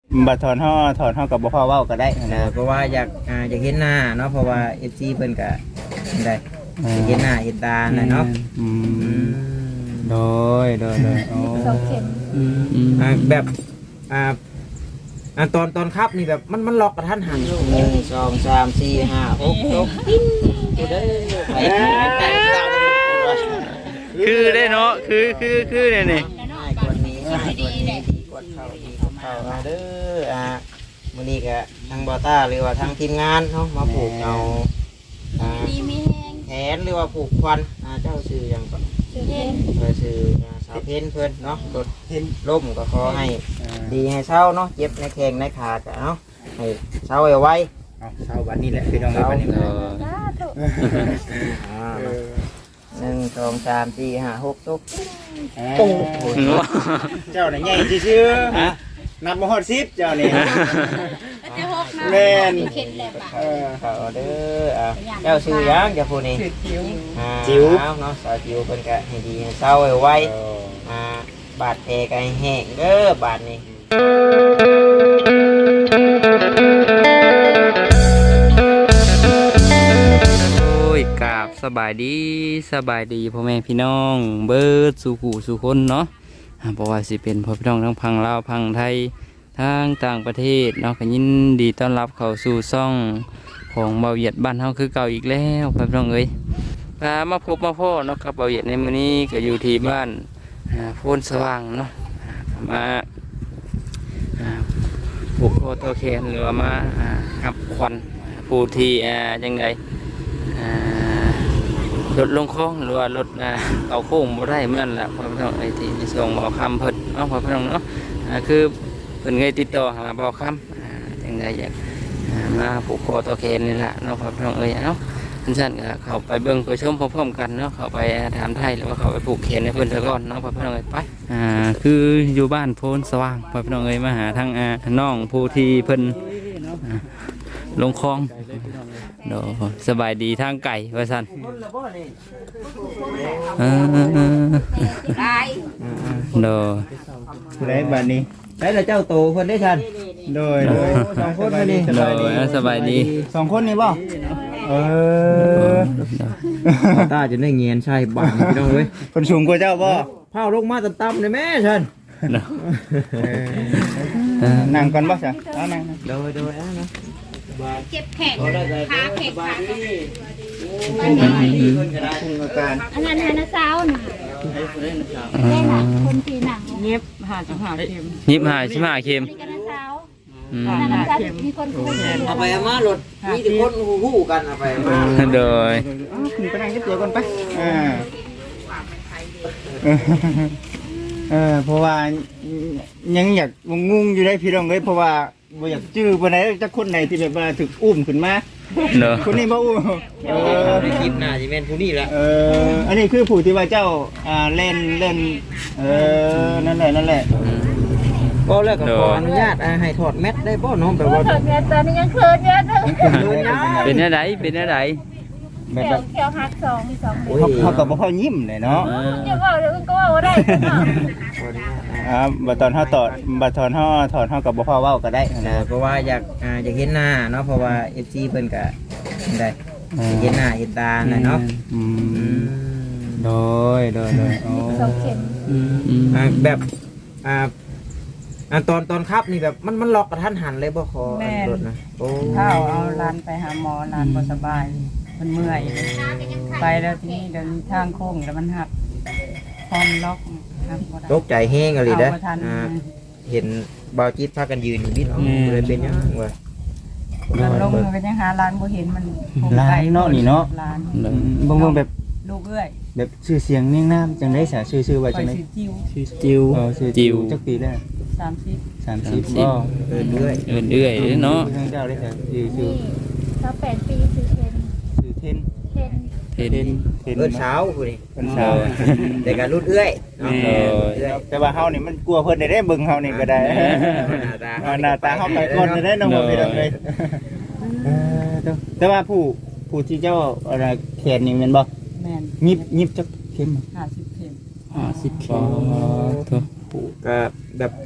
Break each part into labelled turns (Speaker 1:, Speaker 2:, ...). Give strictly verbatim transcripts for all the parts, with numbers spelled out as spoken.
Speaker 1: บัดถอนห่อถอนห่อกับบ่พอเว้าก็ได้
Speaker 2: เอ
Speaker 1: นะ
Speaker 2: อเพราะว่าอยากอ่าอยากเห็นหน้าเนาะเพราะว่า เอฟ ซี เพิ่นก็ได้อยากเห็นหน้าเห็นตาน่ะเนาะ
Speaker 1: อื
Speaker 2: อื
Speaker 1: ม
Speaker 2: ม
Speaker 1: โดยโดยโดยโอ้
Speaker 3: สองเข็ม
Speaker 2: อืมอ่าแบบอ่าอ่าตอนตอนครับนี่แบบมันมันล็อกกระทันหันหนึ่งสองสามสี่ห้าหกหกตัวเด้อไปไปตาม
Speaker 1: คือได้เนาะคือคือคือเนี่ยนี่
Speaker 2: ง่ายกว่านี้ง่ายกว่านี้ดีกว่าเข้าดีกว่าเข้าอ่าเด้ออ่ามื้อนี้ก็ทางบอต้าหรือว่าทางทีมงานเนาะมาผูกเอาอ่า
Speaker 3: ดีมีแห้ง
Speaker 2: แขนหรือว่าผูกควันอ่าเจ้าชื่อหยังก่อน
Speaker 3: ชื่อเห็น
Speaker 2: เออชื่ออ่าสาวเพ็ญเพิ่นเนาะรถเพ็ญล่มก็ขอให้ดีให้เศร้าเนาะเจ็บในแข้งในขาก็เนาะให้เศร้าไว้
Speaker 1: เอาเช้าวันนี้แหละพี่น้องเอ้ยวันนี้
Speaker 2: เช้า
Speaker 3: สาธุ
Speaker 2: อ่าหนึ่งสองสามสี่ห้าหกตุ๊ก
Speaker 1: ปุ้งเจ้าน่ะใหญ่ซื่อๆนับบ่ฮอดสิบเจ้านี่
Speaker 3: แล้วจะหกนะ
Speaker 1: แม่น
Speaker 3: เข็นแหละป่ะ
Speaker 1: เออ
Speaker 2: เขาเด้ออ่ะเจ้าชื่อหยังเจ้าผู้นี้อ่า
Speaker 1: จิ๋ว
Speaker 2: เอาเนาะสาวจิ๋วเพิ่นก็ให้ดีให้เศร้าไว้อ่าบาดแผลก็ให้แห้งเด้อบาดนี้
Speaker 4: โอ้ยกราบสบายดีสบายดีพ่อแม่พี่น้องเบิดสู่ผู้สู่คนเนาะอ่าเพราะว่าสิเป็นพ่อพี่น้องทั้งพังลาวพังไทยทางต่างประเทศเนาะก็ยินดีต้อนรับเข้าสู่ซ่องของเบาเหยียดบ้านเฮาคือเก่าอีกแล้วพ่อพี่น้องเอ้ยพามาพบมาพ่อเนาะกับเบาเหยียดในมื้อนี้ก็อยู่ที่บ้านอ่าโพนสว่างเนาะมาอ่าผูกคอตัวแขนหรือว่ามาอ่ากับควันผู้ที่อ่าจังได อ่ารถลงคลองหรือว่ารถอ่าเอาโค้งบ่ได้เหมือนล่ะพ่อพี่น้องไอ้ที่ในส่งบ่อคำเพิ่นเนาะพ่อพี่น้องเนาะอ่าคือเพิ่นเคยติดต่อหาบ่อคำอ่าจังไดอยากอ่ามาผูกคอต่อแขนนี่ล่ะเนาะพ่อพี่น้องเอ้ยเนาะท่านสั่นก็เข้าไปเบิ่งไปชมพร้อมๆกันเนาะเข้าไปถามไทยหรือว่าเข้าไปผูกแขนให้เพิ่นซะก่อนเนาะพ่อพี่น้องเอ้ยไปอ่าคืออยู่บ้านโพนสว่างพ่อพี่น้องเอ้ยมาหาทางอ่าน้องผู้ที่เพิ่นอ่าลงคลอง โดสบายดีทางไก่ว่าสันเออ
Speaker 3: ได้
Speaker 4: โด
Speaker 1: ผู้ใดบัดนี้
Speaker 2: ได้แล้วเจ้าโตเพิ่นได้ทัน
Speaker 1: โดยโดย
Speaker 2: สองคนมาดิ
Speaker 1: ส
Speaker 4: โด
Speaker 1: บายดี
Speaker 4: สบายดี
Speaker 1: สองคนนี่บ่เออ
Speaker 2: ตาจะได้เงียนใช่บาดนี่พี่น้องเว้ย
Speaker 1: คนสูงกว่าเจ้าบ่
Speaker 2: เผาลงมาต่ำๆเลยแม่ฉัน
Speaker 4: โด
Speaker 1: เออนั่งก่อนบ่จ้ะเอานั่ง
Speaker 2: โดยโดยอ่ะนะ
Speaker 3: เจ็บแขนขาแขนขา
Speaker 1: พุ่งอาการ
Speaker 3: อันนั้นฮานาซาวน่ะแม่น่ะคนที่หนัง
Speaker 5: เงียบหาจังหาเข็ม
Speaker 4: ยิบหายชิมหายเค็ม
Speaker 3: นี่ก็นาซาว
Speaker 4: อืม
Speaker 3: นาซาวมีคนคุยกัน
Speaker 2: เอาไปเอามารถมีแต่คนฮู้ๆกันเอาไปเอามา
Speaker 4: โดย
Speaker 1: อ้าวขึ้นไปนั่งเดี๋ยวก่อนไปอ่าเออเพราะว่ายังอยากงงๆอยู่ได้พี่น้องเอ้ยเพราะว่าบ่อยากจื้อปานใดจักคนไหนที่แบบว่าถูกอุ้มขึ้นมา
Speaker 4: โดย
Speaker 1: คนนี้บ่อุ้มเออ
Speaker 2: ในคลิปหน้าสิแม่นผู้นี้ละ
Speaker 1: เอออันนี้คือผู้ที่ว่าเจ้าอ่าเล่นเล่นเออนั่นแหละนั่นแหละ
Speaker 2: ก็แล้วก็ขออนุญาตอ่าให้ถอดแมสได้บ่น้องแบบว่า
Speaker 3: เขินเนี่ยตอนนี้ยังเขินเยอะเลย
Speaker 4: เป็นอะไรเป็นอะไร
Speaker 1: แบบ
Speaker 3: เขี
Speaker 1: แบ
Speaker 3: ยว
Speaker 1: บ
Speaker 3: เขียวหักสองมีสองเลย
Speaker 1: เขาเขาก็บ่พอยิ้มเลยเนาะ
Speaker 4: เออ
Speaker 3: จะว่าเดี๋ยวก็ว่าได้
Speaker 1: อ่าบัดตอนเฮาตอดบัดตอนเฮาถอนเฮาก็บ่พอเว้าก็ได้
Speaker 2: เอ
Speaker 1: นะ
Speaker 2: อเพราะว่าอยากอ่าอยากเห็นหน้าเนาะเพราะว่า เอฟ ซี เพิ่นก็ได้อยากเห็นหน้าเห็นตาน่ะเนาะ
Speaker 1: อื
Speaker 2: อื
Speaker 1: ม
Speaker 2: ม
Speaker 1: โดยโดยโดยโอ้
Speaker 3: สองเข็ม
Speaker 4: อืม
Speaker 2: อ่าแบบอ่าอ่าตอนตอนครับนี่แบบมันมันล็อกกระทันหันเลยบ่ขออันรถนะโอ้
Speaker 5: ข้าวเอาหลานไปหาหมอหลานบ่สบายมันเมื่อยไปแล้วทีนี้เดินทางโค้งแล้วมันหักพร้อมล็อกหักบ่ได้
Speaker 2: ตกใจแห้งอะไรเด้อ
Speaker 5: เอาบ่ทัน
Speaker 2: อ่าเห็นบ่าวจิตพากันยืนอยู่บิดเอ้าเลยเป็นหยังวะ
Speaker 5: มันลงมันก็ยังหาหลานบ่เห็นมัน
Speaker 1: ลายเนาะนี่เนาะ
Speaker 5: หลาน
Speaker 4: โด
Speaker 1: อื
Speaker 4: ย
Speaker 1: มบางเบิ่งแบบ
Speaker 5: ลูกเอ้ย
Speaker 1: แบบชื่อเสียงเนียงนามจังได๋ซะชื่อๆว่า
Speaker 5: ไป
Speaker 1: จังได๋
Speaker 5: สิจิ้ว
Speaker 1: ชื่อจิวเออชื่อจิวจักปีแล้ว
Speaker 5: สามสิบ
Speaker 1: สามสิบบ่
Speaker 2: เออเรื่อย
Speaker 4: เอื่นเอื่อยเนาะ
Speaker 1: ทางเจ้าได้ซะชื่อชื่อ
Speaker 3: นี่เขาแปดปีคือเทน
Speaker 1: ชื่อเทน
Speaker 3: เทน
Speaker 4: เห็น
Speaker 1: เทนเทน
Speaker 2: เอิ้นเช้าผู้นี่
Speaker 1: เพิ่นสาว
Speaker 2: แต่การรุ่นเอื้อยเนาะ
Speaker 4: แม่
Speaker 2: เอื้อย
Speaker 1: แต่ว่าเฮานี่มันกลัวเพิ่นได้ได้เบิ่งเฮานี่ก็ได้
Speaker 2: หน้าตา
Speaker 1: เอาหน้าตาเฮาไปก่อนจะได้น้องบ่พี่น้องเลยเออแต่แต่ว่าผู้ผู้ที่เจ้าอะไรแขนนี่แม่นบ่
Speaker 5: แม่น
Speaker 1: ยิบยิบจักเข็ม
Speaker 5: ห้าสิบเข็ม
Speaker 4: ห้าสิบเข็มโถ่
Speaker 2: ผู้ก็แบบ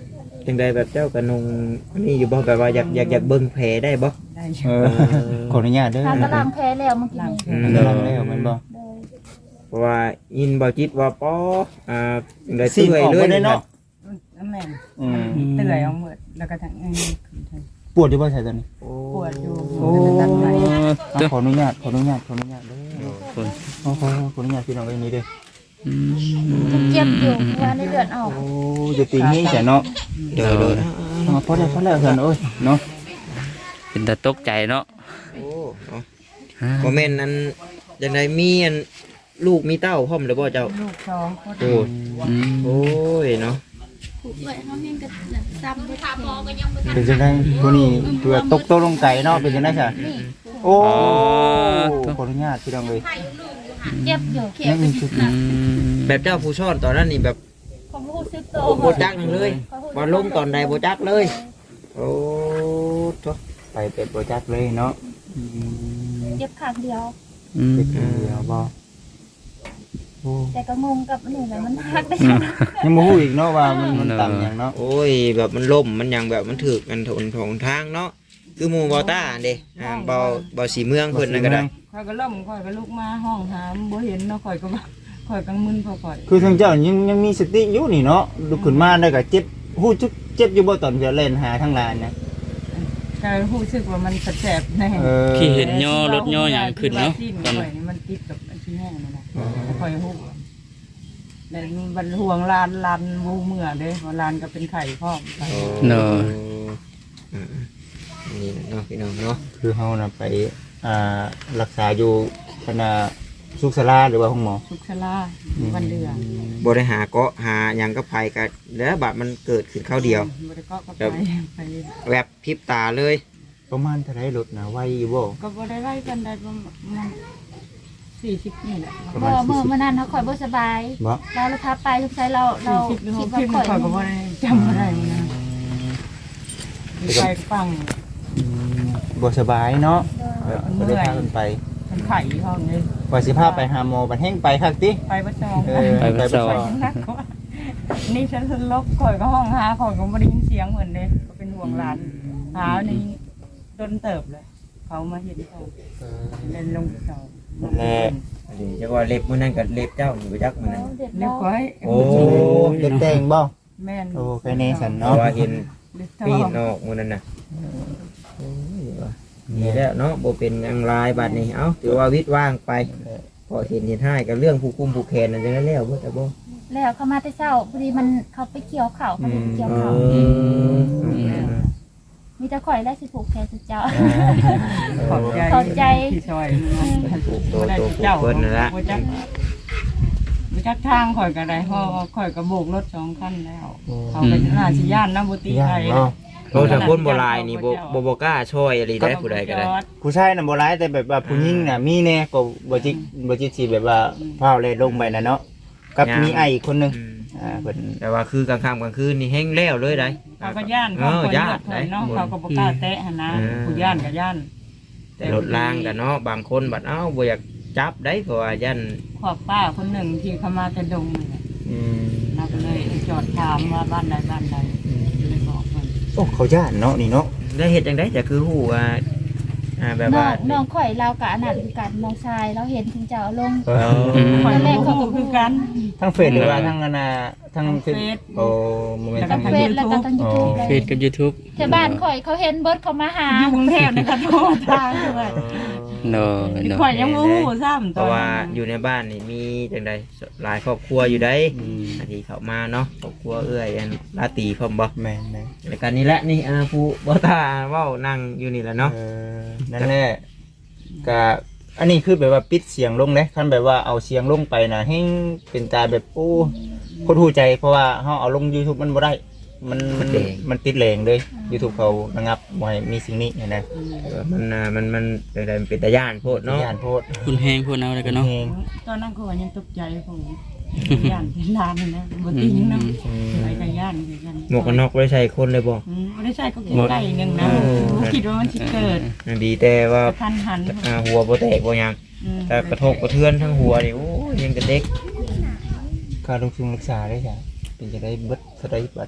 Speaker 2: จังใดแบบเจ้ากระนงนี่อยู่บ่แบบว่าอยากอยากอยากเบิ่งแผลได้บ่
Speaker 5: ได้อ
Speaker 1: เอยู่ อขออนุญาตเด้อ
Speaker 3: ทานกำลังแพ้แล้วเมื่อกี้
Speaker 5: ล้าง
Speaker 3: นี้
Speaker 5: แผล
Speaker 1: กำลังแล้วแมันบ่
Speaker 3: เลย
Speaker 2: เพราะว่ายินบ่จิตว่าป้ออ่าจังใด
Speaker 1: ซี
Speaker 2: เตื่
Speaker 1: น
Speaker 2: อย
Speaker 1: ออก
Speaker 2: เล
Speaker 1: บ่
Speaker 2: ย
Speaker 1: ได้เนาะ
Speaker 5: น้ำแม่น
Speaker 1: อืม
Speaker 5: เตื่อยเอาหมดแล้วก็ทั้งเอ้ย
Speaker 1: ปวดอยู่บ่ใช่ตอนนี้
Speaker 2: โอ้
Speaker 5: ปวดอยู่
Speaker 1: โอ้
Speaker 5: ตัดไหล
Speaker 1: เอาขออนุญาตขออนุญาตขออนุญาตเด้อ
Speaker 4: คน
Speaker 1: ขอขอขออนุญาตพี่น้องไว้นี้เด้อ
Speaker 4: อืม
Speaker 3: เจ็บอยู่เพราะว่าในเลือดออก
Speaker 1: โอ้จะติงให้จ้ะเนาะ
Speaker 2: เดี๋ยวเดี๋ยว
Speaker 1: อ๋อพอได้พอแล้วเพิ่นโอ้ยเนาะ
Speaker 4: เป็นตาตกใจเนาะ
Speaker 2: โอ้เนาะบ่แม่นนั้นจังใดมีอันลูกมีเต้าพร้อมหรือบ่เจ้า
Speaker 5: ลูกสองคน
Speaker 2: โอ้
Speaker 4: อืม
Speaker 2: โอ้ยเนาะ
Speaker 3: ผูกไว้เฮาเฮงก็ซ้ำได้พอก็ยังบ่
Speaker 1: เป็นจังได๋ผู้นี้เพื่อตกโตะลงไก่เนาะเป็นจังได๋จ้ะโอ้ขออนุญาตพี่น้องเอ้ย
Speaker 3: เจ็บอยู่เขีย
Speaker 1: ยัง
Speaker 3: ว
Speaker 1: อีกชุด
Speaker 4: อืม
Speaker 2: แบบเจ้าผู้ซ่อนตอนนั้นนี่แบบ
Speaker 3: ของรู้สึกโต
Speaker 2: โอ้บ่จักหยังเลยว่าลงตอนใดบ่จักเลย โอ้โถ
Speaker 1: ไปเป็ดบ่จักเลยเนาะอืม
Speaker 3: เจ็บข้างเดียว
Speaker 4: อืม
Speaker 1: เป็ดเดียวบ่โอ้
Speaker 3: แต่ก็งงกับอันนี่แหละมันหักได้
Speaker 1: ยังบ่ฮู้อีกเนาะว่ามันมันต่ำหยังเนาะ
Speaker 2: โอ้ยแบบมันล่มมันหยังแบบมันถึกกันถนถงทางเนาะคือหมู่บ่ต้าเด้อ่าบ่บ่สีเมืองเพิ่นนั่นก็ได้
Speaker 5: ข่อยก็ล่มข่อยก็ลุกมาห้องหามบ่เห็นเนาะข่อยก็ว่าข่อยกังมึนพอข่อย
Speaker 1: คือทางเจ้ายังยังมีสติอยู่นี่เนาะลุกขึ้นมาได้ก็เจ็บฮู้จุกเจ็บอยู่บ่ตอนจะเล่นหาทางลานนะ
Speaker 5: ก็รู้สึกว่ามันแสบๆแน่
Speaker 1: เออ
Speaker 4: ขี่เห็นย่อรถย่ออย่างขึ้นเนาะต
Speaker 5: ต
Speaker 4: อ
Speaker 5: อน น
Speaker 4: นั้น
Speaker 5: นี้มันติดกับอันที่แห้งนั่นน่ะแล้วข่อยฮู้แล้วมันห่วงลานลานวูเมื่อเด้ว่าลานก็เป็นไข่พร้อม
Speaker 4: เนาะ
Speaker 2: อืมนี่เนาะพี่น้องเนาะ
Speaker 1: คือเฮาน่ะไปอ่ารักษาอยู่คณะสุขศาลาหรือว่าห้องหมอ
Speaker 5: สุขชลาวันเดือน
Speaker 2: บ่ได้หาเกาะหาหยังกับไผก็แล้วบัดมันเกิดขึ้นคราวเดียว
Speaker 5: บ่ได้ก็ก็ไปไป
Speaker 2: แวบพริบตาเลย
Speaker 1: ประมาณเท่าไหร่รถน่ะไวอยู่บ่
Speaker 5: ก็บ่ได้ไล่กันได้ประมาณสี่สิบนี่แหละ
Speaker 1: ประ
Speaker 3: บ่
Speaker 1: มาณ
Speaker 3: เมื่อ
Speaker 1: สี่สิบ
Speaker 3: เมื่อนั้นเขาข่อยบ่สบาย
Speaker 1: บ่
Speaker 3: เราเลยพาไปทุกไสเราเรา
Speaker 5: สี่สิบหรือห
Speaker 3: คิด
Speaker 5: ก
Speaker 3: ว่า
Speaker 5: สิบ
Speaker 3: ข่อย
Speaker 5: ข่อยก็บ่ได้จำบ่ได้มันนะไปฟัง
Speaker 1: อืมบ่สบายเนาะแบบบ่ได้พากันไป
Speaker 5: เป็นไข่ห้องนี้
Speaker 1: ว่าสิพาไปหาหมอบัดแห้งไปคักติ
Speaker 5: ไปประจอง
Speaker 1: เออ
Speaker 4: ไปประสอบ
Speaker 5: นักกว่านี่ฉันลบข่อยก็ห้องหาข่อยก็บ่ได้ยินเสียงเหมือนเด้ก็เป็นห่วงหลานหานี่โดนเติบเลย เขามาเห็นเขาเล่นลงเสา
Speaker 1: แน่
Speaker 2: อันนี้จักว่าเล็บมื้อนั้นก็เล็บเจ้านี่บ่จักมื้อนั้น
Speaker 3: เด็ด
Speaker 5: เล็
Speaker 3: แล้
Speaker 5: ก
Speaker 3: ว
Speaker 5: ไว้
Speaker 2: โอ้
Speaker 1: เด็กแต่งบ่
Speaker 5: แม่น
Speaker 1: โอ้แค่นี้สัน
Speaker 2: เพ
Speaker 1: เนาะ
Speaker 2: ราะว่าเห็น
Speaker 5: เล็ก
Speaker 2: ปี
Speaker 5: ท
Speaker 2: นออกมื้อนั้นน่ะโอ้ยว่ะนี่แหล้วเนาะบ่เป็นหยังหลายบัดนี้เอ้าถือว่าวิตว่างไปพอเห็นเห็นให้กับเรื่องผู้คุมผู้แคนนั่นจังนั้นแล้วบ่แต่บ่
Speaker 3: แล้วเขามาแต่เช้าพอดีมันเขาไปเกี่ยวเข่าเขาไปเกี่ยว
Speaker 2: เอ
Speaker 3: เข่า
Speaker 2: อ
Speaker 3: มีแต่ข่อยและสิผูกแขนสุดเจ้า
Speaker 5: ขอบใจ
Speaker 3: ขอบใจ
Speaker 5: ที่ช่วย
Speaker 2: ตัวตัวผู้เพิ่นนั่นละ
Speaker 5: บ่จักบ่จักทางข่อยก็ได้เพราะว่าข่อยก็โบกรถสองคันแล้ว เขาก็น่าสิย่านนะบ่ตี
Speaker 1: ย่า
Speaker 5: ไท
Speaker 1: น
Speaker 5: ย
Speaker 1: เนาะ
Speaker 2: โอ้ถ้าคนโบราณนี่บ่บ่บ่กล้าช่วยอะไรได้ผู้ใดก็ได้
Speaker 1: ผู้ชายน่ะบ่ร้ายแต่แบบว่าผู้หญิงน่ะมีแน่ก็บ่จิกบ่จิกสิแบบว่าพาเลยลงไปน่ะเนาะกับมีไอ้อีกคนหนึง
Speaker 2: อืม
Speaker 1: อ่าเพิ่น
Speaker 2: แต่ว่าคือกลางค่ำกลางคืนนี่แห้งแล้วเลยได้
Speaker 5: เขาก็ย่าน
Speaker 2: เอ
Speaker 5: เขา
Speaker 2: อ
Speaker 5: คน
Speaker 2: ย่า
Speaker 5: เลือน ด
Speaker 2: ได้
Speaker 5: เนาะเขาก็บ่กล้าแตะหั่นนะผู้ย่านก็ย่าน
Speaker 2: แต่รถล่างกันเนาะบางคนบัดเอ้าบ่อยากจับได้เพราะว่ายัน
Speaker 5: ขอบป้าคนหนึ่งที่เขามาแต่ดงนี่แหละ
Speaker 1: อืม
Speaker 5: เราก็เลยจอดถามว่าบ้านใดบ้านใดเลยบอกมัน
Speaker 1: โอ้เขาย่านเนาะนี่เนาะ
Speaker 2: ได้เฮ็ดจังได๋แต่คือฮู้ว่าอ่าแบบ
Speaker 3: น้อ
Speaker 2: ว่าง
Speaker 3: น้องข่อยเรากับอันนั้นคือกันน้องชายเราเห็นถึงเจ้าลง
Speaker 1: เอ
Speaker 2: เอ
Speaker 1: อ
Speaker 2: อ
Speaker 5: ข่อยก็บ่คือกัน
Speaker 1: ทั้งเฟซหรือว่าทั้งอันน่ะทั้ง
Speaker 5: ทั้งเฟซ
Speaker 1: โอ้บ่แม่น
Speaker 5: แล้วก็
Speaker 1: ทั้ง
Speaker 3: เฟซแล้วก็ทางยูทูบเล
Speaker 4: เฟ
Speaker 3: ย
Speaker 4: ซกับ YouTube
Speaker 3: แถวบ้านข่อยเขาเห็นเบิร์ดเขามาหา
Speaker 5: อยู่กรุงเทพนี่ก็โทรทางด้วย
Speaker 4: เนาะ
Speaker 5: ที่
Speaker 4: เนาะ
Speaker 5: ข่อยยังบ่ฮู้ซ้ำ
Speaker 2: เพราะว่าอยู่ในบ้านนี่มีจังได๋หลายครอบครัวอยู่ได้อันที่เข้ามาเนาะครอบครัวเอื้อยอันลาตีพร้อมบ่
Speaker 1: แม่นแม่น
Speaker 2: รายการนี้แหละนี่อ่าผู้บ่ตาเว้านั่งอยู่นี่แหละเนาะ
Speaker 1: เออนั่นแหละก็อันนี้คือแบบว่าปิดเสียงลงเด้คันแบบว่าเอาเสียงลงไปน่ะให้เป็นตาแบบโอ้คนหูใจเพราะว่าเฮาเอาลง YouTube มันบ่ได้ มันมันมันติดแรงเลย YouTube เขาระงับบ่ให้มีสิ่งนี้เห็นไหม
Speaker 2: มันอ่ามันมันเป็นอะไรมันเป็นตาย่านโพดเนาะ
Speaker 1: ย่านโพด
Speaker 4: คุณแฮงพูดเอาแล้วกันเนาะ
Speaker 1: เอง
Speaker 5: ตอนนั้นก็ยังตกใจผมย่านเป็นลานนะบ่ติงนะไปกับย่านคือกัน
Speaker 2: หมวกกันน็อกไว้ใส่คนเลยบ่
Speaker 5: อืมบ่ได้ใช่ก็ใกล้ๆนึงนะคิดว่ามันสิเกิด
Speaker 2: นั่นดีแต่ว่าก
Speaker 5: ระทันหัน
Speaker 2: อ่าหัวบ่แตกบ่หยัง
Speaker 5: อืม
Speaker 2: แต่กระทบกระเทือนทั้งหัวนี่โอ้ยยังกระเด็ก
Speaker 1: ค่าลงทุนรักษาได้จ้ะเป็นจะได้เบิดเท่าใดบัดนี้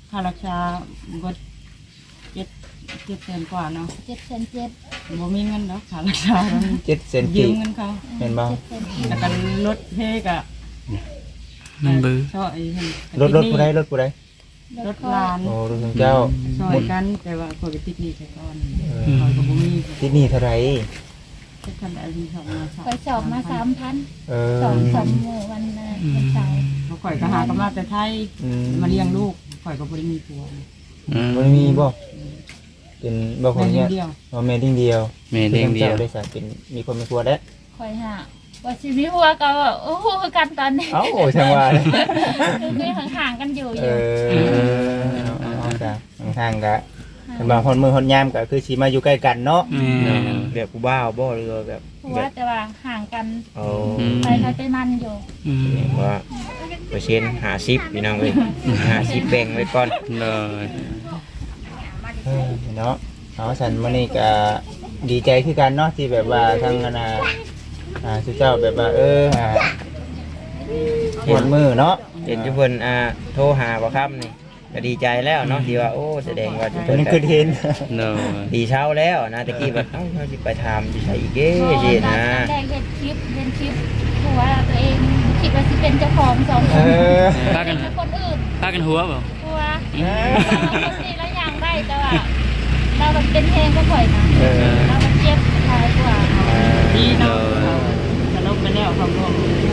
Speaker 5: ค่ารักษาก็เจ็ดเจ็ดแสนกว่าเนาะ
Speaker 3: เจ็ดเซนเจ็ด
Speaker 5: บ่มีเงินแล้วค่ารักษาแล้ว
Speaker 1: เจ็ดเซน
Speaker 5: ยื
Speaker 1: กี
Speaker 5: มเงินเขา
Speaker 1: เห็นบ่
Speaker 3: เจ็ดเซนเจ็ด
Speaker 5: แล้วกันรถเทกะ
Speaker 4: มันเบือ
Speaker 5: ซอย
Speaker 1: รถรถผู้ใดรถผู้ใด
Speaker 5: รถลาน
Speaker 1: โอ้รถของเจ้า
Speaker 5: ซอยกันแต่ว่าคนก็ติดหนี้ไปก่อน
Speaker 1: เออ
Speaker 5: เขาก็บ่มี
Speaker 1: ที่นี่เท่าไหร่
Speaker 5: ทุกคนได้มีสองมาสาม
Speaker 3: ไปสอบมาสามพัน
Speaker 1: เออ
Speaker 3: สองสองหมู่วันนะวันเสาร์
Speaker 5: เขาข่อยก็หากำลังแต่ไทย
Speaker 1: อืม
Speaker 5: มาเลี้ยงลูกข่อยก็บ่ได้มีผัว
Speaker 4: อืม
Speaker 1: บ่มีบ่เป็นบ่คน
Speaker 5: แม่
Speaker 1: เนี้ย
Speaker 5: เดียว
Speaker 1: บ่แม่ดิ้งเดียว
Speaker 4: แม่เด้งเดียว
Speaker 1: ได้สาเป็นมีคนมีครัวแล้ว
Speaker 3: คอยหาว่าชีวิตหัวก็ว่าโอ้โหกันตอนนี้
Speaker 1: เอ้าช่างว่าเลย
Speaker 3: คือห่างๆกันอยู่อ
Speaker 1: เอยู่ อเอาเอาเอาจ้ะห่างๆกะบางคนมือคนยามก็คือสิมาอยู่ใกล้กันเนาะ
Speaker 4: แม่
Speaker 2: แบบกูบ้าวบ่หรือว่าแบบ
Speaker 3: หัวแต่ว่าห่างกัน
Speaker 2: เอา
Speaker 3: ไปใครไปมันอยู่
Speaker 4: อืม
Speaker 2: ว่าเปอร์เซ็นต์หาสิบพี่น้องเอ้ยหาสิบแบ่งไว้ก่อน
Speaker 4: เลย
Speaker 1: เออเนาะเอาสันมื้อนี้ก็ดีใจคือกันเนาะที่แบบว่าทางอนาอ่าสุเจ้าแบบว่าเอออ่าหมดมือเนาะ
Speaker 2: เห็นจุเพิ่นอ่าโทรหาบ่ครับนี่ก็ดีใจแล้วเนาะที่ว่าโอ้แสดงว่าจุ
Speaker 1: ตอ
Speaker 2: เพิ่
Speaker 1: น
Speaker 2: น
Speaker 1: นี้
Speaker 2: ก็
Speaker 1: คือเห็น
Speaker 4: เลย
Speaker 2: ดีเช้าแล้วนะตะกี้แบบเอ้าเขาสิไปถามสิใส่อีกเด้สินะ
Speaker 3: แรกเห็นคลิปเห็นคลิปหัวตัวเองคิดว่าสิเป็นเจ้าของสองค
Speaker 1: เอน อ
Speaker 4: พากัน
Speaker 3: เป็นคนอื่น
Speaker 4: พากันหัวเปล่า
Speaker 3: หัวคนนี้แล้วยังได้แต่ว่าเราแบบเป็นเพลงก็ปล่อยนะ
Speaker 1: เออ
Speaker 3: เราแบบเจ็บท้ายกว่า
Speaker 5: ดีเนาะจะลบไปแล้วความร่วม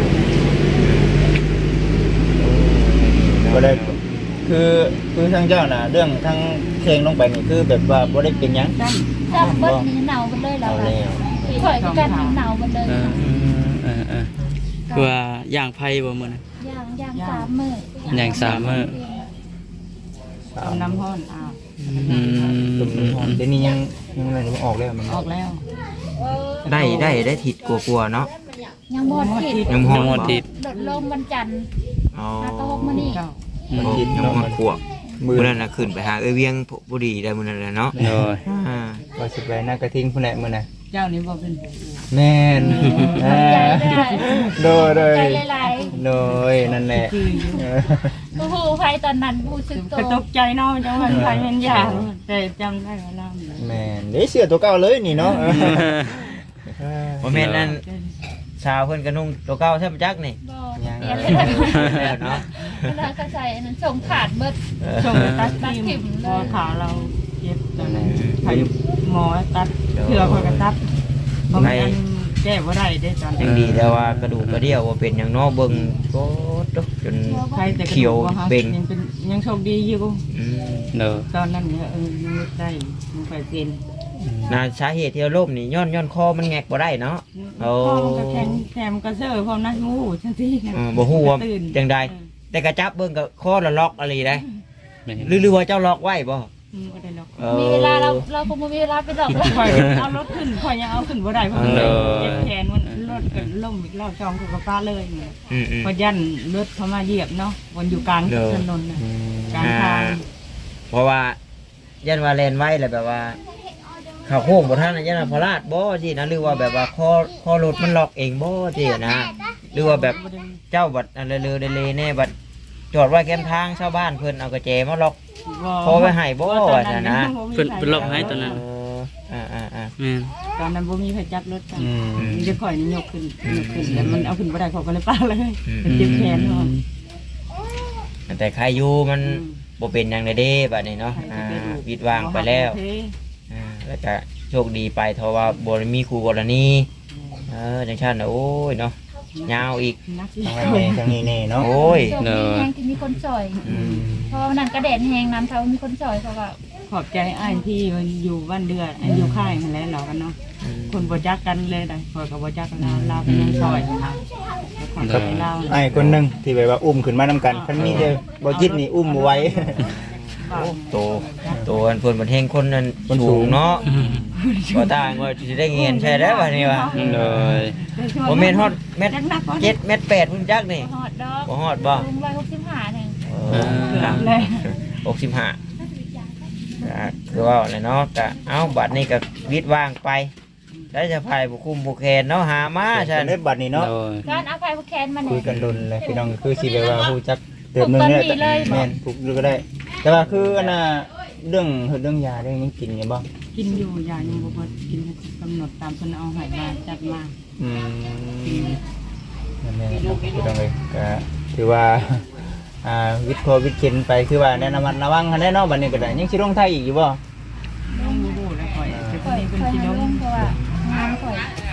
Speaker 1: บ่ได้คือคือทางเจ้าน่ะเรื่องทางเพลงลงไปนี่คือแบบว่าบ่ได้เป็นหยัง
Speaker 5: จ้
Speaker 3: จับเบิดนี่หนาวกันเลยเรา
Speaker 1: เอาแล้ว
Speaker 3: ปล่อยกันหนาวกันเลย
Speaker 4: เออเออเออคือว่าย่างไผ่บ่มื้อนั้น
Speaker 3: ย่างย่างสามมื้อย่าง
Speaker 4: สามมื้อ
Speaker 5: ำเอาน้ำห้อนอ้าว
Speaker 4: อืม
Speaker 1: ตุ่มน้ำหอมเดี๋ยวนี้ยังยังอะไรมันออกแล้วมัน
Speaker 5: ออกแล้ว
Speaker 2: ได้ได้ได้ถิดกลัวๆเนาะ
Speaker 3: ยังบอดผิด
Speaker 2: ยังห
Speaker 4: ยั
Speaker 2: อง ด
Speaker 4: หมดติด
Speaker 3: ลดลงวันจันทร์
Speaker 2: อ๋อ
Speaker 3: มาตะหกมื้อนี้
Speaker 5: เจ้า
Speaker 4: อืม
Speaker 1: มันกิน
Speaker 2: ยัง
Speaker 1: เนาะ
Speaker 2: หอ
Speaker 1: มั
Speaker 2: ด
Speaker 1: น
Speaker 2: ขวบ
Speaker 1: มือ
Speaker 2: มื้อนั้นน่ะขึ้นไปหาเอ้ยเวียงบุรีได้มื้อนั้นแหละเนาะ
Speaker 4: เลย
Speaker 2: อ่า
Speaker 1: ว่าสิไปหน้ากระทิงผู้ใดมื้อน่ะ
Speaker 5: เจ้านี้บ่เป็นผัว
Speaker 1: แม่น
Speaker 3: ใจได้
Speaker 1: โดยโดย
Speaker 3: ใจหลาย
Speaker 1: โดยนั่นแหละ
Speaker 5: คืออยู่
Speaker 1: เออ
Speaker 3: ๆโอ้โหไฟตอนนั้นผู้สึกโต
Speaker 5: ก็ตกใจเนาะจังหวัดไทยมันยากแต่จำได้ว่าเล่าอยู่
Speaker 1: แม่นเด้เสื้อตัวเก่าเลยนี่เนาะ
Speaker 2: บ่แม่นนั่นชาวเพิ่นก็นุ่งตัวเก่าแท้บ่จักนี่
Speaker 3: บ่
Speaker 1: ยัง
Speaker 3: เปลี่ยนเลย
Speaker 2: แล้วเนาะ
Speaker 3: เวลาก็ใส่อันนั้นส่งขาดเบิด
Speaker 5: ส่งไปตัดทิ่มพอขาเราเจ็บตอนนั้นไผหมอตัดเผื่อคนก็ตัดบ่แม่นแก้บ่ได้เด้ตอน
Speaker 2: ยังดีแต่ว่ากระดูกกระเดี่ยวบ่เป็นหยังเนาะเบิ่งโคตรจน
Speaker 5: ใครแต่กระ
Speaker 2: เขี
Speaker 5: ดู
Speaker 2: ยว
Speaker 5: กบ่ฮะ
Speaker 2: เบ่ง
Speaker 5: ยังเป็นยังโชคดีอยู่
Speaker 2: อืม
Speaker 4: เลย
Speaker 5: ตอนนั้นเนี่ยเออยังนึกได้มันไปเป็น
Speaker 2: น่าสาเหตุที่เราล้มนี่ย้อนย้อนคอมันแงกบ่ได้เนาะ โอ้
Speaker 5: พ่อมันก็แข็งแถมกระเซอร์พร้อมนะงูจังซี่
Speaker 2: เออบ่ฮู้ว่า
Speaker 5: ตื่น
Speaker 2: จังใดแต่กระจับเบิ่งก็คอละล็อกอะไรได้
Speaker 4: แม่
Speaker 2: หรือหรือว่าเจ้าล็อกไว้บ่
Speaker 5: อืมบ่ได้หรอก
Speaker 2: ออ
Speaker 3: มีเวลาเราเราคงบ่มีเวลาไปดอก
Speaker 5: ข่อยเอารถขึ้นข่อยยังเอาขึ้นบ่ได้เพราะมันเจ็บแขนมันรถก็ล่มอีกรอบจองกับกระป้าเลยเนี่ย
Speaker 2: อืมอืม
Speaker 5: พอยันรถเขามาเหยียบเนาะวันอยู่กลางถนนน่ะกลางทาง
Speaker 2: เพราะว่ายันว่าแลนไว้แหละแบบว่าเขาโค้งบ่ทันนะยันว่าพลาดบ่สินะหรือว่าแบบว่าคอคอรถมันล็อกเองบ่สินะ หรือว่าแบบเจ้าบัดอันเรือๆเดๆแน่บัดจอดไว้แคมทางชาวบ้านเพิ่นเอากระแจมาล็อก พอไว้ให้บ่ว่าซั่นนะ
Speaker 4: เพิ่นเพิ่นล็อกให้ตอนนั้น
Speaker 2: เอออ่าอ่าอ่า
Speaker 4: แม่น
Speaker 5: ตอนนั้นบ่มีไผจับรถกัน
Speaker 1: อืม
Speaker 5: มีจะข่อยนี่ยกขึ้นยกขึ้นแต่มันเอาขึ้นบ่ได้เขาก็เลยป้าเลย
Speaker 2: อืม
Speaker 5: เป็นเจ็บแขนเนาะ
Speaker 2: แต่ใครอยู่มันบ่เป็นหยังเลยเด้บัดนี้เนาะอ่าวิดวางไปแล้วอ่าแล้วก็โชคดีไปเพราะว่าบ่ได้มีครูกรณีเออจังซั่นน่ะโอ้ยเนาะยาวอีก
Speaker 5: นัก
Speaker 1: ทางนี้ทางนี้แน่เนาะ
Speaker 2: โอ้ย
Speaker 3: โชคดีแฮงที่มีคนซอย
Speaker 2: อืม
Speaker 3: เพราะว่านั่นกระเด็นแฮงน้ำเขามีคนซอยเขาก็
Speaker 5: ขอบใจอ้ายที่มันอยู่บ้านเดือดอันอยู่ค่ายนั่นแหละเรากันเนาะคนบ่จักกันเลยได้ข่อยก็บ่จักกันเราเราเป็นยังซอยค่ะขอบใจเรา
Speaker 1: ไอ้คนหนึงที่แบบว่าอุ้มขึ้นมานํกันคันมีแต่บ่จิตนี่อุ้มบ่ไหว้
Speaker 2: โตโตอันเพิ่นบ่เฮงคนนั้น
Speaker 1: คนสู
Speaker 2: สู
Speaker 1: ง
Speaker 2: งเนาะบ่ต่างว่าสิได้เงินใช่แล้วบัดนี้ว่า
Speaker 4: เลย
Speaker 2: บ่แม่นฮอดเม็ด
Speaker 5: จักนักบ่
Speaker 2: เจ็ดเม็ดแปดพุ่นจักนี่
Speaker 3: ฮอดดอก
Speaker 2: บ่ฮอดบ่
Speaker 3: ลุงร้อยหกสิบห้าหนึ่ง
Speaker 2: เออ
Speaker 5: เลย
Speaker 2: หกสิบห้าก็คือว่าเนี่ยเนาะก็เอ้าบัดนี้ก็วิดวางไปได้จะพายบุคุมบุแคนเนาะหามาใช่
Speaker 1: เล่นบัดนี้เนาะ
Speaker 4: เลย
Speaker 3: การเอาไปแคนมา
Speaker 1: คุ
Speaker 3: เนี่ย ย
Speaker 1: กันดนเลยพี่น้องคือสิแบบว่าฮู้จักเติมหนึงเนี่ย
Speaker 3: ปลูกต้นนี้เลย
Speaker 1: แม่นปลูกดูก็ได้แต่ว่าคืออันน่ะเรื่องเรื่องยาเรื่องยังกินอยู่บ่
Speaker 5: กินอยู่ยายังบ่เบิดกินกำหนดตามเพิ่นเอาให้มาจัดมา
Speaker 1: อืมนั่นแหละเนาะพี่น้องเอ้ยก็ถือว่าอ่าวิทย์โควิดเข็นไปคือว่าแนะนำระวังหันแน่เนาะบัดนี้ก็ได้ยังสิลงไทยอีกอยู่บ่
Speaker 5: ลงบ่รู้แล้วข่อยจะ
Speaker 3: ข่อย
Speaker 5: มีเพิ่น
Speaker 3: ข่อย
Speaker 5: สิ
Speaker 3: ให้
Speaker 5: ล
Speaker 3: ล
Speaker 5: ง
Speaker 3: งเพราะว่างานข่อย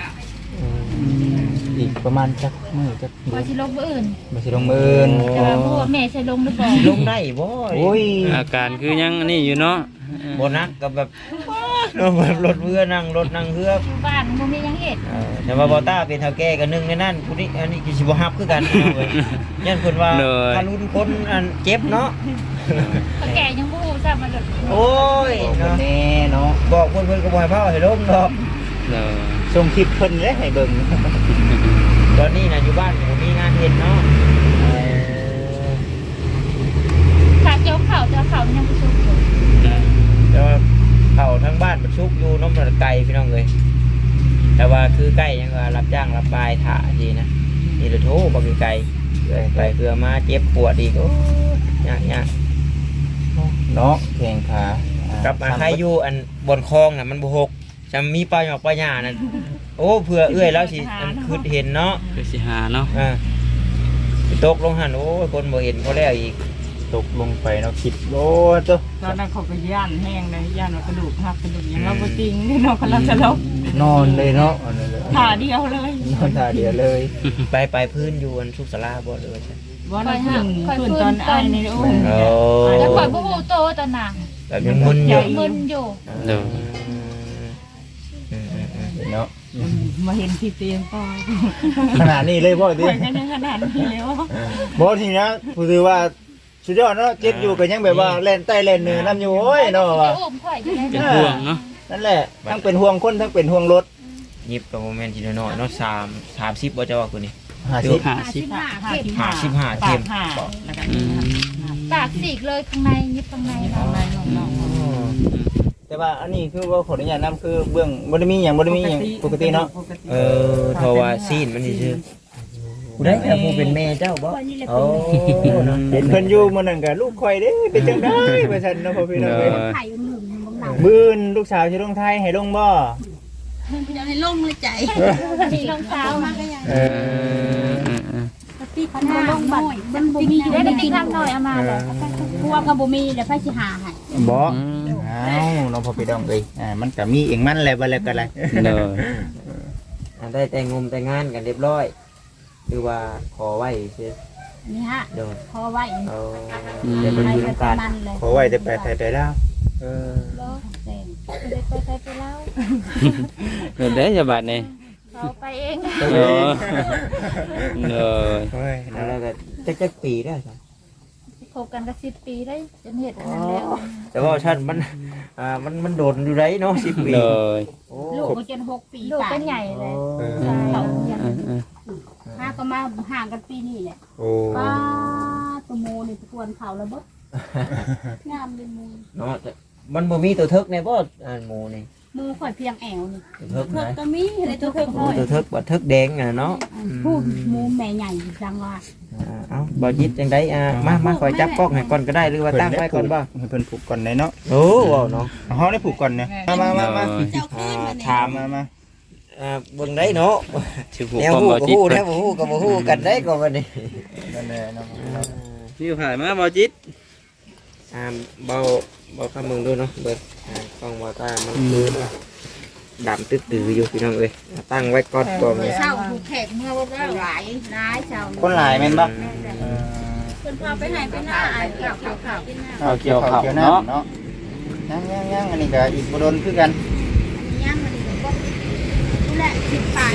Speaker 1: อีกประมาณจักมื้อจัก
Speaker 3: ข่อยสิลงมื้ออื่น
Speaker 1: บ่สิลงมื้ออื่น
Speaker 3: แต่ว่าบ่รู้ว่าแม่สิลงหรือบ่
Speaker 2: ลงได้บ่
Speaker 1: โอ้ย
Speaker 4: อาการคือยังอันนี่อยู่เนาะ
Speaker 2: บ่นักก็แบบเนาะแบบรถเรือนั่งรถนั่งเรือ
Speaker 3: อยู่บ้านบ่มีหยังเฮ็ด
Speaker 2: เออแต่ว่าบอต้าเป็นเท่าแก่กันนึงในนั้นผู้นี้อันนี้ก็สิบ่ฮับคือกันเอาเว้ยยันเพิ่นว่าถ้ารุ่นคนอันเจ็บเนาะ
Speaker 3: เขาแก่ยังบ่ฮู้ซ้ำมันเลย
Speaker 2: โอ้ย
Speaker 1: โอ้
Speaker 2: เนาะ
Speaker 1: แน่เนาะ
Speaker 2: บอกเพิ่นเพิ่นก็บ่ให้เผาให้ลงดอก
Speaker 4: เด้อ
Speaker 1: ส่งคลิปเพิ่นเลยให้เบิ่ง
Speaker 2: ตอนนี้น่ะอยู่บ้านก็บ่มีงานเฮ็ดเนาะเออ
Speaker 3: ถ้าเจ้าข้าวเจ้าข้าวมันยังบ่สุกอยู่
Speaker 2: แต่ว่าเข้าทั้งบ้านมันชุกอยู่น้ำมันไกลพี่น้องเอ้ยแต่ว่าคือใกล้ยังว่ารับจ้างรับปลายถ่าดีนะนี่ละโทบ่มีไกลไปเพื่อมาเจ็บปวดอีกโอ้ยยากๆ
Speaker 1: เนาะแข่งขา
Speaker 2: กลับมาใครอยู่อันบนคลองน่ะมันบ่หกจะมีปลาหยอกปลาหญ้านั่นโอ้เผื่อเอื้อยแล้วสิอันคือเห็นเนาะ
Speaker 4: คือสิหาเนาะ
Speaker 2: อ่าไปตกลงหันโอ้ยคนบ่เห็นเขาแล้วอีก
Speaker 1: ตกลงไปเนาะคิดโอ้ตัว
Speaker 5: ตอนนั้นเขาก็ย่านแห้งเลยย่านว่ากระดูกหักกระดูกหยังเราบ่จริงนี่เนาะกำลังจะลบ
Speaker 1: นอนเลยเนาะอันนั้นเลย
Speaker 5: ขาเดียวเลย
Speaker 1: นอนตาเดียวเลย
Speaker 2: ไปไปพื้นอยู่อันสุขศาลาบ่เลยว่าใช่
Speaker 5: บ่ได้ขึ้นขึ้นตอนไอ้นี่โอ้ย
Speaker 2: โอ้
Speaker 3: แล้วข่อยบ่ฮู้โตตอนน่ะ
Speaker 2: แบบยังมึนอยู่
Speaker 3: มึนอยู่
Speaker 4: เด้อ
Speaker 2: อืมอืมอืม
Speaker 1: เนาะ
Speaker 5: มาเห็นที่เตียงต่อ
Speaker 1: ขนาดนี้เลยบ่ดิ
Speaker 5: ข่อยก็ยังขนาดนี้แล้ว
Speaker 1: บ่ทีนะผู้ถือว่าสุดยอดเนาะเจ็บอยู่ก็ยังแบบว่าเล่นใต้เล่นเหนือนํอยู่โอ้ยเนาะว่า
Speaker 3: โอ้มข่อยอยู่ได้
Speaker 4: เป็นห่วงเนาะ
Speaker 1: นั่นแหละทั้งเป็นห่วงคนทั้งเป็นห่วงรถ
Speaker 2: ยิบกับโมเมนต์ที่น้อยๆเนาะสามสามสิบบ่จะว่าคนนี้
Speaker 1: ห้าสิบ
Speaker 4: ห้าสิบ
Speaker 2: ห้าสิบห้าเข็ม
Speaker 5: ปากห้าแล้วก็
Speaker 4: อืม
Speaker 3: ปากสีกเลยข้างในยิบข้างใน
Speaker 5: ข้างใน
Speaker 3: เนาะ
Speaker 5: น้องๆ
Speaker 1: แต่ว่าอันนี้คือว่าขออนุญาตนำคือเบื้องบ่ได้มีหยังบ่ได้มีหยังปกติเนาะ
Speaker 2: เออเพราะว่าซีนมันนี่ชื่อผู้ใดแต่ผู้เป็นแม่เจ้าบ่โอ้เนาะ
Speaker 1: เห็นเพิ่นอยู่มื้อนั้นก็ลูกข่อยเด้เป็นจังได๋ว่าซั่นเนาะพ่อพี่น้อง
Speaker 4: เด้
Speaker 1: เอ้ย
Speaker 4: อ
Speaker 6: ไข่หนึ่งบางหนัง
Speaker 1: มื้อนลูกสาวสิลงไทยให้ลงบ่
Speaker 6: อยากให้ล่มเลยใจ
Speaker 3: มีรองเท้ามา
Speaker 1: เอ
Speaker 4: เอ
Speaker 1: อ
Speaker 4: อเออเออ
Speaker 6: พี่พันธุ์ล่มบัตรมันบ่มี
Speaker 3: ได้ได้ติ๊กทำหน่อยเอามาเลย
Speaker 6: พวกกับบ่มีแล้วไผสิหาให้
Speaker 1: บ่
Speaker 4: อืม
Speaker 1: อ้าวน้องพ่อพี่น้องเอ้ยอ่ามันก็มีเองมันแหละบ่แล้วก็แล้ว
Speaker 4: เด้อ
Speaker 2: อ่าได้แต่งงมแต่งงานกันเรียบร้อยหรือว่าขอไว้ซื่อ
Speaker 6: นี่ฮะ
Speaker 2: โดน
Speaker 6: พอไว้
Speaker 2: เอา
Speaker 4: อืม
Speaker 2: เดี๋ยวมัน
Speaker 6: ไป
Speaker 2: มี
Speaker 6: ไป
Speaker 2: น้ำตาล
Speaker 6: มันเลย
Speaker 1: ขอไว้แต่ไปไทยไปลาวเออ
Speaker 6: แซ่บ
Speaker 3: ไปไปไปไปแล้ว
Speaker 4: เด้อเด้อจะบาดนี่
Speaker 3: เขาไปเอง
Speaker 4: เด้อเด้อ
Speaker 1: โอ้ย
Speaker 2: แล้วก็จักจักปีได้ครับ
Speaker 3: คบกันก็สิบปีได้จนเห็ดอันนั้นแล้ว
Speaker 2: แต่ว่าท่านมันอ่ามันมันโดนอยู่ไรเนาะสิบปี
Speaker 4: เด้อ
Speaker 2: โอ้
Speaker 6: ลูกมันจนหกปี
Speaker 3: ลูก
Speaker 6: ป่า
Speaker 3: เป็นใหญ่เลย
Speaker 1: เออ
Speaker 3: ใช่
Speaker 6: เขา
Speaker 4: เออเออ
Speaker 6: ห้าก็มาห่างกันปีนี้แหละ
Speaker 1: โอ้
Speaker 6: ป้าตัวโมนี่ตะกวนเขาแล้วบ่งามเลยมู
Speaker 2: เนาะแต่มันบ่มีตัวเทิกในบ่อ่าหมูนี่
Speaker 6: มูข่อยเพียงแอวนี่
Speaker 2: ตัวเทิก
Speaker 6: เพิ่
Speaker 2: ไหน
Speaker 6: ก็มีอะไรตัวเพิ่น
Speaker 2: โอ้ตัวเทิกบ่เทิกแดงอ่ะเนาะ
Speaker 6: พูดมูแม่ใหญ่จังว่า
Speaker 2: อ่าเอ้าบ่ยิดจังไดอ่ามามาคอยจับกล้องให้ก่อนก็ได้หรือว่าตั้งไว้ก่อนบ่
Speaker 1: ให้เพิ่นผูกก่อนได้เนาะ
Speaker 2: โอ้ว้าวเนาะ
Speaker 1: เฮาได้ผูกก่อนเนี่ยมามามามา
Speaker 6: เจ้าขึ้นมา
Speaker 2: ถาม
Speaker 1: มามา
Speaker 2: อ่าเบิ่งได้เนาะ
Speaker 4: ชื่อผู้
Speaker 2: แนว
Speaker 4: ความ
Speaker 2: ฮู้
Speaker 4: บ่
Speaker 2: ก็
Speaker 4: จิต
Speaker 2: ฮู้แนวบ่ฮู้ก็บ่ฮู้กันได้ก็บัดนี้
Speaker 1: นั่นแหละเนาะ
Speaker 4: ชื่อผ่านมาบ่จิต
Speaker 2: อ่าเบาเบาคำมึงดูเนาะเบิ่งอ่ากล้องบ่ตามันคือดำตื้อๆอยู่พี่น้องเอ้ยตั้งไว้ก่อนก่อนเลย
Speaker 6: เช้าถูกแขกเมื่อว่าหลายหลายเช้า
Speaker 1: คนหลายแม่นบ่
Speaker 6: เพิ่นพาไปไหนไปหน้าไอ้ข่าวข่าวข่าวกินหน้า
Speaker 4: เอาเกี่ยวข้าว
Speaker 1: เนาะ
Speaker 4: เนาะ
Speaker 1: ยังยังยังอันนี้ก็อีกบ่โดนคือกัน
Speaker 6: ย่างมันก็ผู้แหละสิบปลาย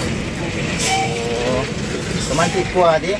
Speaker 1: ประมาณสิบกว่าดิ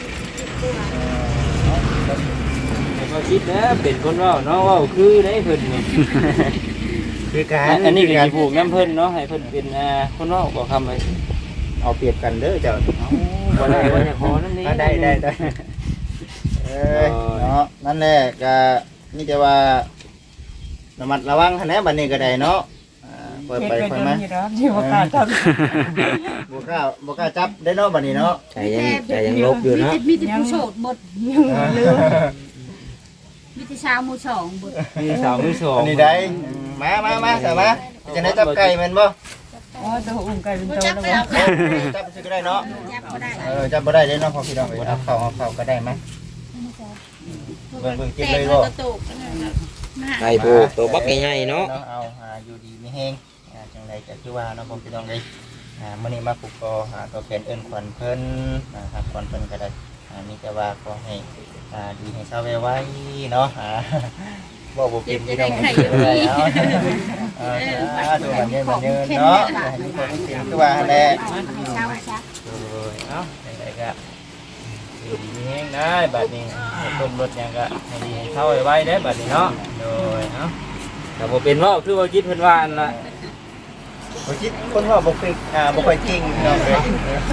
Speaker 4: บ่จิตนะเป็นคนเว้าเนาะเว้าคือได้เพิ่นนี่
Speaker 1: คือการ
Speaker 4: อันนี้ก็สิผูกน้ำเพิ่นเนาะให้เพิ่นเป็นอ่าคนเว้าบ่คำไว้
Speaker 1: เอาเปรียบกันเด้อเจ้า
Speaker 2: บ่ได้บ่จะขอนั่นนี่
Speaker 1: ได้ได้ได้เอ้ยเนาะนั่นแหละก็นี่จะว่าระมัดระวังหั่นแหละบัดนี้ก็ได้เนาะอ่าปล่อย
Speaker 5: เฮ็ด
Speaker 1: ไป
Speaker 5: ไป
Speaker 1: ค่อย
Speaker 5: จน
Speaker 1: มา
Speaker 5: นี่แล้วที่ว่ากล้าทำ
Speaker 1: บ่กล้าบ่กล้าจับได้เนาะบัดนี้เนาะ
Speaker 2: ใจยังใจยังลบอยู่เนาะ
Speaker 6: มีแต่ผู้โสดหมด
Speaker 5: ยังลืม
Speaker 6: มวิธีเช้ามือสองบุตร
Speaker 2: มีสาวมือสอง
Speaker 1: อันนี้ได้มามามาใส่มาจะได้จับไก่มันบ่
Speaker 5: อ๋อตัวอุ่มไก่เป็นโตแล้วบ่
Speaker 1: จับก็ได้เนาะ
Speaker 6: จับก็ได้
Speaker 1: เออจับบ่ได้เด้เนาะพอพี่น้องเอาเข้าเอาเข้าก็ได้มั้ยเบิ่งเบิ่งจิบเลยบ่
Speaker 2: ไก่ผูกตัวบักใหญ่ๆเนาะ
Speaker 1: เอาหาอยู่ดีมีแห้งอ่าจังไดก็คือว่าเนาะพอพี่น้องเลยอ่ามื้อนี้มาปลูกกอหาตัวแฟนเอิ้นขวัญเพิ่นอ่าครับขวัญเพิ่นก็ได้อ่ามีแต่ว่าขอให้อ่าดีให้เศร้าไว้เนาะอ่าบ่บ่เป็นพี่น้องเลยเอาเอออ่าดูมันเย็นมันเย็นเนาะให้ทุกคนเป็นคือว่าหั่นแหละ
Speaker 6: เช้าซะ
Speaker 1: โอ้ยเอ้าจังไดก็อยู่ดีมีแห้งได้บัดนี้ต้มรถหยังก็ให้ดีให้เศร้าไว้ได้บัดนี้เนาะโดยเนาะ
Speaker 2: แต่บ่เป็นว่าคือว่าคิดเพิ่นว่านั่นล่ะ
Speaker 1: บ่คิดคนว่าบ่เป็นอ่าบ่ค่อยเก่งพี่น้องเลย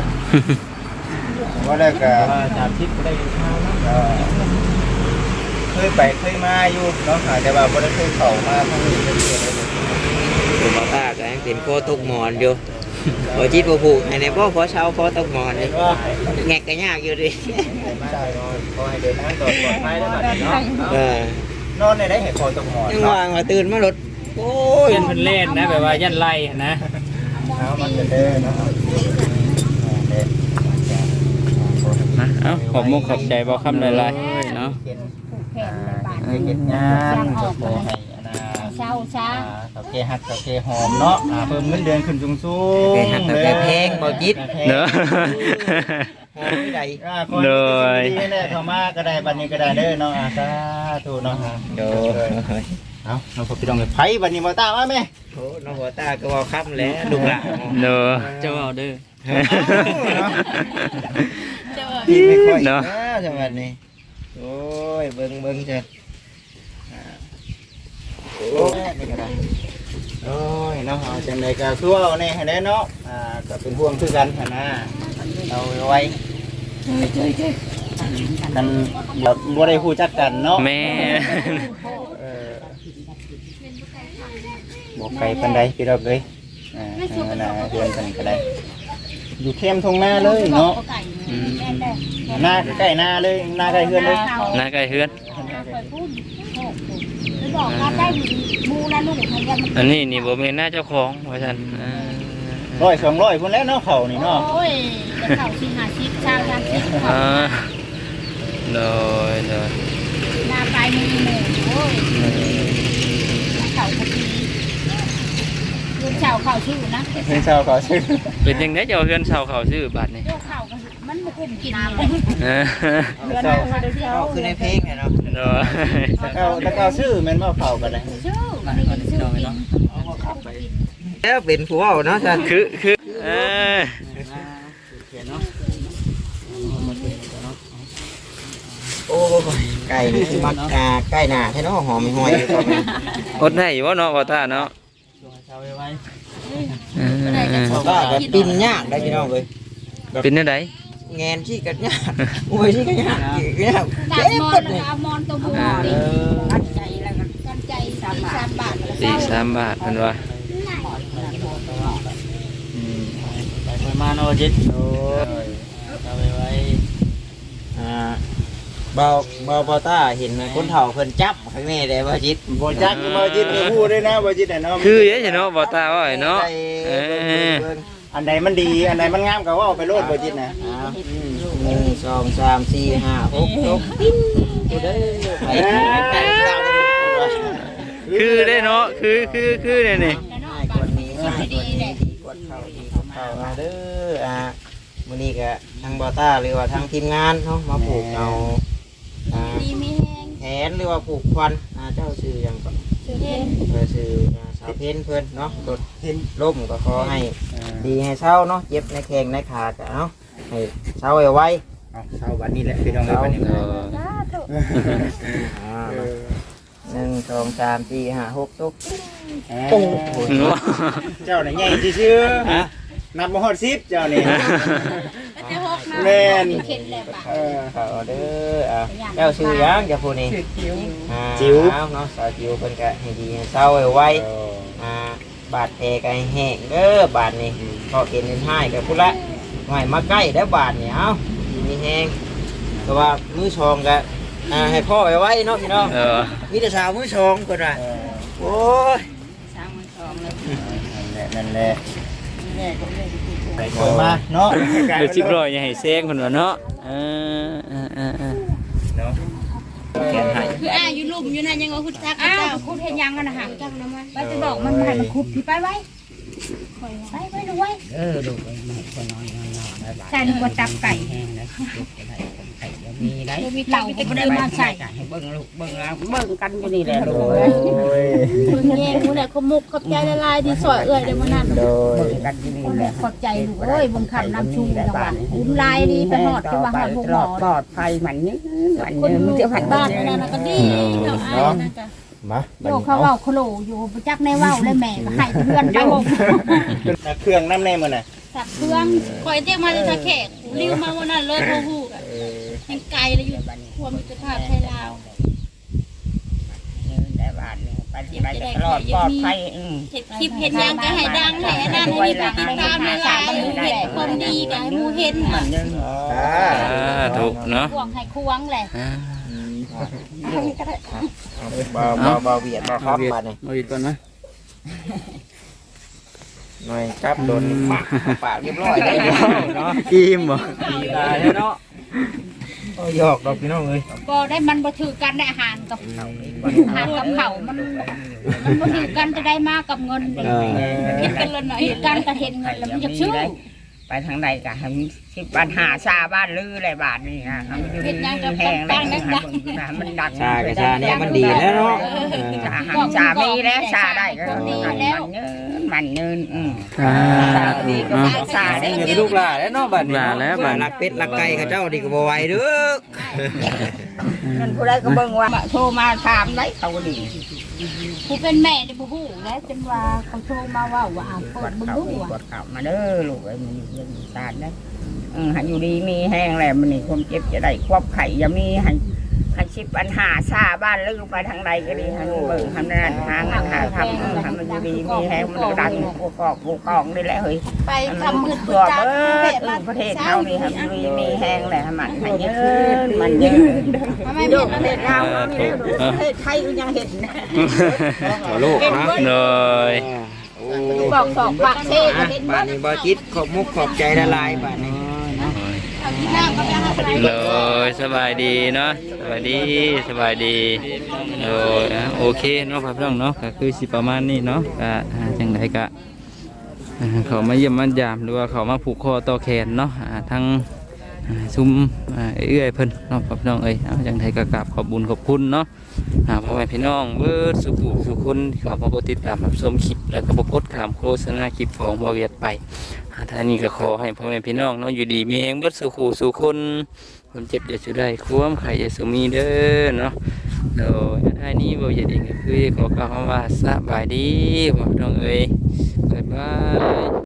Speaker 1: ว่าแล้วก็
Speaker 2: ว่าสามสิบก็ได้ข้าวนะ
Speaker 1: ก็เคยไปเคยมาอยู่เนาะแต่ว่าบ่ได้เคยเข้ามาทางนี้เรื่อยๆเลย
Speaker 2: ผมบ่ตาก็ยังเป็นโคตกหมอนอยู่บ่จิตบ่ผูกให้ในบ่พอเช้าพอตกหมอนนี่แงกก็ยากอยู่ดิ
Speaker 1: ใช่นอนขอให้เดินทางปลอดภัยแล้วบัดนี้เนาะ
Speaker 2: เออน
Speaker 1: อนในได้ให้คอตกหมอน
Speaker 2: ยัง
Speaker 1: เนาะ
Speaker 2: ว่างว่าตื่นมารถโอ้ย
Speaker 4: เพิ่นเพิ่นเล่นนะแบบว่ายันไล่นะ
Speaker 1: เอามันจะเด้อเนาะเด้อ
Speaker 4: นะเอ้าขอบมุกขอบใจบ่คำหลายๆเนาะ
Speaker 1: เป็น
Speaker 6: ผูกแขนในบ้าน
Speaker 1: เคยเฮ็ดงานก็ขอให้อันน่ะ
Speaker 6: เช้าซะ
Speaker 1: อ่าเสาเกฮักเสาเกหอมเนาะอ่าเพิ่มเงินเดือนขึ้นสูงสูง
Speaker 2: เป็นหักแต่เพลงบ่จิต
Speaker 4: เนาะ
Speaker 2: โอ้ยได้
Speaker 1: อ่าขอให้มีแต่สิ่งดีๆแน่เข้ามาก็ได้บัดนี้ก็ได้เด้อเนาะอ่าสาธุเนาะฮะ
Speaker 2: โดย
Speaker 1: เอาเราพอพี่น้องเลยไผบัดนี้บ่ตามมาแม่
Speaker 2: โอ้น้องหัวตาก็เว่าค่ำแล้วลูกหลาน
Speaker 4: เนาะเจ้าเอาเด้อ
Speaker 1: พี่ไม่ค่อย
Speaker 4: เนาะ
Speaker 1: นะจังหวัดนี้โอ้ยเบิ่งเบิ่งจ้ะอ่าโอ้ยนี่ก็ได้โอ้ยเนาะเอาจังไดก็คือว่าเอาแน่ให้แน่เนาะอ่าก็เป็นห่วงคือกันหั่นนะเอาไว้กันแบบบ่ได้ฮู้จักกันเนาะ
Speaker 4: แม่
Speaker 1: เออบ่ไกลปานใดพี่ดอกเอ้ยอ่าเอาน่ะเดือนกันก็ได้อยู่เข้มทงหน้าเลยเนาะ
Speaker 6: ไก่
Speaker 4: อืม
Speaker 6: แม่ได้
Speaker 1: หน้าใกล้หน้าเลยหน้าใกล้เฮือนเลย
Speaker 4: หน้าใกล้เฮือน
Speaker 6: คอยพูดไปบอกว่าได้มูนะลูกพยามัน
Speaker 4: อันนี้นี่บ่แม่นหน้าเจ้าของว่าซั่นอ่า
Speaker 1: ร้อยสองร้อยพุ่นแล้วเนาะเขานี่เนาะ
Speaker 6: โอ้ยจะเข่าชิงหาชิปชาวทางชิป
Speaker 4: อ่าโดยโดย
Speaker 6: หน้าปลายมือหมูโอ้ยเข่าพอดีลูกเข่าเข่าชื่อนะ
Speaker 1: เฮือนชาวเขาชื่อ
Speaker 4: เป็นจังได๋เจ้าเฮือนเช่าเขาซื้อบัดนี่
Speaker 6: ลูกเข่ามันมันคุ้มกิน
Speaker 4: เออ
Speaker 5: เดือนหน้ามาเดี๋ยวเช้า
Speaker 2: เอาคือในเพลงเนี่ยเนาะ
Speaker 4: โดย
Speaker 1: แล้วก็แล้วก็ชื่อแม่นบ่เขากันเลย
Speaker 6: ชื่อมันเป็นชื่อกิน
Speaker 2: แล้วเป็นผู้เว้าเนาะท่าน
Speaker 4: คือคือเออ
Speaker 2: โอ้ยไก่นี่คือมักอ่าไก่หน้าแท้เนาะหอมหอยอยู่ก็แม่น
Speaker 4: อดได้อยู่บ่เนาะบ่ตาเนาะเออ
Speaker 2: บ่ว่าก็ปิ้นยากได้พี่น้องเอ้ย
Speaker 4: เป็นจังได
Speaker 2: แงนที่กันยากโอ้ยที่กันยากอีกยาก
Speaker 6: ดั
Speaker 2: เจ็
Speaker 6: บบ มอ
Speaker 2: เบิ
Speaker 6: น
Speaker 2: ดเลย
Speaker 6: เอามอนตัวบูดิกันใจแล้วกันกันใจสามบาทสามบาท
Speaker 4: สี่สามบาทเพิ่นว่า
Speaker 1: ไปไปมาเนาะจิตโอ้ยเอาไว้ไว้
Speaker 2: อ่าเบาเบาเบาตาเห็นคนเฒ่าเพิ่นจับข้างในได้บ่จิต
Speaker 1: บ่จักบ่จิตบ่ฮู้ด้วยนะบ่จิตน่ะเนาะ
Speaker 4: คือเด้สิเนาะบ่ตาว่าไอ้เนาะเออ
Speaker 1: อันใดมันดีอันใดมันงามก็เว้าไปโลดบ่จิตน่ะ
Speaker 2: หนึ่งสองสามสี่ห้าหกหกปิ้นกูเด้อไปไปตามไปดูว่า
Speaker 4: คือได้เนาะคือคือคือเนี่ยนี่
Speaker 2: ง่ายกว่านี้ง่ายกว่านี้ดีกว่าเข้าดีกว่าเข้ามาเด้ออ่ามื้อนี้ก็ทางบอต้าหรือว่าทางทีมงานเนาะมาผูกเอาอ่า
Speaker 6: ดีมีแห้ง
Speaker 2: แขนหรือว่าผูกควันอ่าเจ้าชื่อหยังก็
Speaker 6: ชื่อเย็น
Speaker 2: เพิ่นชื่ออ่าสาวเพ็ญเพิ่นเนาะรถเพ็ญล่มก็ขอให้ดีให้เช้าเนาะเจ็บในแข้งในขาก็เนาะให้เช้าไว
Speaker 1: เอาเช้าวันนี้แหละพี่น้องเอ้ยวันนี้
Speaker 4: เออ
Speaker 2: ๆอ่าหนึ่งสองสามสี่ห้าหกตุก
Speaker 1: โอ้เจ้าน่ะใหญ่ซื่อๆนับบ่ฮอดสิบเจ้านี่
Speaker 6: จะหกนะ
Speaker 1: แม่น
Speaker 6: เข็นเลยป่ะ
Speaker 2: เออเขาเด้ออ่าเจ้าชื่อหยังเจ้าผู้นี้
Speaker 5: สืบคิ้ว
Speaker 2: อ่า
Speaker 1: จิ๋ว
Speaker 2: เอาเนาะสาวจิ๋วเพิ่นก็ให้ดีให้เศร้าไวๆอ่าบาดแผลก็ให้แห้งเด้อบาดนี้พอเกินเป็นให้ก็พุ่นละหน่อยมาใกล้แล้วบาดนี่เอ้าดีมีแห้งแต่ว่ามือชองก็อ่าให้พ่อไว้ไว้เนาะพี่น้อง
Speaker 4: เออ
Speaker 2: มีแต่สาวมือสองเพิ่นว่าโอ้ย
Speaker 6: สามวันสองเลย
Speaker 1: นั่นแหละ
Speaker 5: แม่ก็ไม่ได้พูด
Speaker 1: ไปคอยมาเนาะ
Speaker 4: เดี๋ยวสิบร้อยอย่าให้แซงคนว่าเนาะเออเออเออเออ
Speaker 1: เนาะแขนให้
Speaker 6: คืออ่าอยู่ลุ่มอยู่นั่นยังว่าคุณจัก
Speaker 3: อ้า
Speaker 6: เจ้าว
Speaker 3: คุณเห็นยังกันนะฮะ
Speaker 6: จักนะมั้ย
Speaker 3: ไปจะบอกมันให้มันคุบที่ไปไว้ไปไปดูไว้
Speaker 7: เออลูกไอ้แม่ก็นอนนอนนอนแล้วหลาน
Speaker 3: ใช่นึกว่าจับไก่
Speaker 7: แห้งนะลูกจะได้คนไข่จะมีได้
Speaker 3: เดี๋ยวมีเต่าก็ไม่ได้มาใส่
Speaker 7: ให้เบิ่งลูกเบิ่งแล้วเบิ่งกันอยู่นี่แหละลูก
Speaker 1: โอ้
Speaker 7: เอ้ย
Speaker 1: ย
Speaker 3: คุณแง่คุณเนี่ยเขามุกขอบใจละลายที่ซอยเอื่อยเดี๋ยวมันนั่น
Speaker 1: โดย
Speaker 7: เบิ่งกันอยู่นี่แหละ
Speaker 3: ขอบใจลูกเอ้ยบังคับน้ำชูจังหวะอุ้มลายดีไปหอดจังหวะหอดพวกหมอ
Speaker 7: ปลอดภัยมันยืนมัน
Speaker 3: คน
Speaker 7: ยืน
Speaker 3: มื
Speaker 7: มัน
Speaker 3: อ
Speaker 7: จะผัน
Speaker 3: บ้าน
Speaker 7: ยื
Speaker 3: นั่
Speaker 7: น
Speaker 3: นก็ดีเนาะอ้ายนะจ๊ะ
Speaker 1: มาบัด
Speaker 3: โย
Speaker 1: นี้
Speaker 3: เขา
Speaker 1: เอา
Speaker 3: เว้าโคโลอยู่ประจักในเว้าเลยแม่ก็ให้เพื่อนไปหมด
Speaker 1: เครื่องน้ำแน่มื้อน่ะ
Speaker 3: ตักเครื่อง
Speaker 6: คอยเรียกมาจะแขกริ้วมาวันนั้นเลยโทรฮู้กัน
Speaker 1: เออ
Speaker 6: ยังไกลเลยอยู่ความมิตรภาพไทยลาว
Speaker 7: ยืนได้บ้านนี่ปฏิบัติตลอดปลอดภัยอืม
Speaker 6: เห็ดคลิปเห็ดยังก็ให้ดังให้นั่นให้มีการติดตามหลายๆเห็ดความดีก็ให้หมู่เห็น
Speaker 7: มั
Speaker 6: น่ะ
Speaker 7: นยืน
Speaker 1: อ่า
Speaker 4: อ่าถูกเนาะ
Speaker 3: ควงให้ควงแหละ
Speaker 4: อ่า
Speaker 1: บ่บ่บ่เวียดบ่ครับบัดนี้
Speaker 4: เอาอีกก่อนนะ
Speaker 1: หน่อยครับโดนปากปากเรียบร้อยได้เนาะ
Speaker 4: อิ่มบ่
Speaker 1: ดีตายเนาะโอ้ยอกดอกพี่น้องเอ้ย
Speaker 3: บ่ได้มันบ่ถือกันได้อาหารกับอาหารกับเขามันมันบ่ถือกันจะได้มากับเงิน
Speaker 4: เออ
Speaker 3: คิดกันเลยหน่อยคิดกันก็เห็นเงินแล้วมันจะชื่อ
Speaker 7: ไปทางใดก็ให้สิปัญหาชาบ้านลืออะไรบ้านนี่นะทำอยู่ดีแห้งแล้วมันดัง
Speaker 2: ชากระชาเนี่ยมันดีแล้วเนาะ
Speaker 7: ชาหันชามีแล้วชาได้ก็มันเนินมันเนินอืม
Speaker 4: อ่า
Speaker 7: ดีก็
Speaker 4: อ่า
Speaker 7: ชาได้
Speaker 2: เงินลูกหลานแล้วเนาะบัดนี้
Speaker 4: หลานแล้วบัดนี้
Speaker 2: รักเป็ดรักไก่เขาเจ้าดีก็บ่ไหวเด้อ
Speaker 7: นั่นผู้ใดก็เบิ่งว่าโทรมาถามได้เขาดี
Speaker 3: ผู้เป็นแม่นี่บ่ฮู้แล้วจนว่าเขาโทรมาว่าว่าอ่านเปิ
Speaker 7: ก
Speaker 3: ด
Speaker 7: ด
Speaker 3: มึง
Speaker 7: เขา
Speaker 3: ดู
Speaker 7: ก
Speaker 3: อ่ะ
Speaker 7: ดเขามาเด้อลูกไอ้มันยังชาได้อืมให้อยู่ดีมีแห้งแหละมันนี่ความเจ็บจะได้ควบไข่อย่ามีให้ให้ชิบปัญหาชาบ้านลือไปทางใดก็ดีให้เบิ่งทำนั่นหาเงินหาทำทำมันอยู่ดีมีแห้งมันดังกูกอกกูกองนี่แหละเฮ้ย
Speaker 3: ไป
Speaker 7: ทำ
Speaker 3: ทำ
Speaker 7: มื
Speaker 3: มื
Speaker 7: อ
Speaker 3: ด
Speaker 7: ตัว
Speaker 3: จัก
Speaker 7: เบิดเออประเทศเฮานี่ครับมีมีแห้งแหละมันให้เยอะมันเยอะโยกประเทศเราเนี่ยประเทศไทยก็ยังเห็นนะ
Speaker 2: ขอลูกนะ
Speaker 4: เลย
Speaker 3: บอกสองปากเซ่ก็เห็น
Speaker 2: บ้านนี้บ่จิตขอบมุกขอบใจละลายบ้านนี้
Speaker 3: เอาที่หน้าก็ไปหาใคร
Speaker 4: เลยสบายดีเนาะสบายดีสบายดีโอ้ยอ่ะโอเคเนาะครับพี่น้องเนาะก็คือสิประมาณนี้เนาะก็อ่าจังไดก็อ่าเขามาเยี่ยมมายามหรือว่าเขามาผูกคอต่อแขนเนาะอ่าทั้งอ่าซุ้มอ่าเอื้อยเพิ่นเนาะครับพี่น้องเอ้ยเอาจังไดก็กราบขอบบุญขอบคุณเนาะอ่าพ่อแม่พี่น้องเบิดสุขุสุคนที่เขามาติดตามรับชมคลิปแล้วก็บ่กดข้ามโฆษณาคลิปของบ่เวียดไป ท่านนี้ก็ขอให้พ่อแม่พี่น้องเนาะอยู่ดีมีแรงเบิดสู่ขู่สู่คนคนเจ็บอย่าสุดได้ความใครอย่าสุมีเด้อเนาะโดยท่านนี้บ่อยากเองก็คือขอกล่าวคำว่าสบายดีพ่อพี่น้องเอ้ยบ๊ายบาย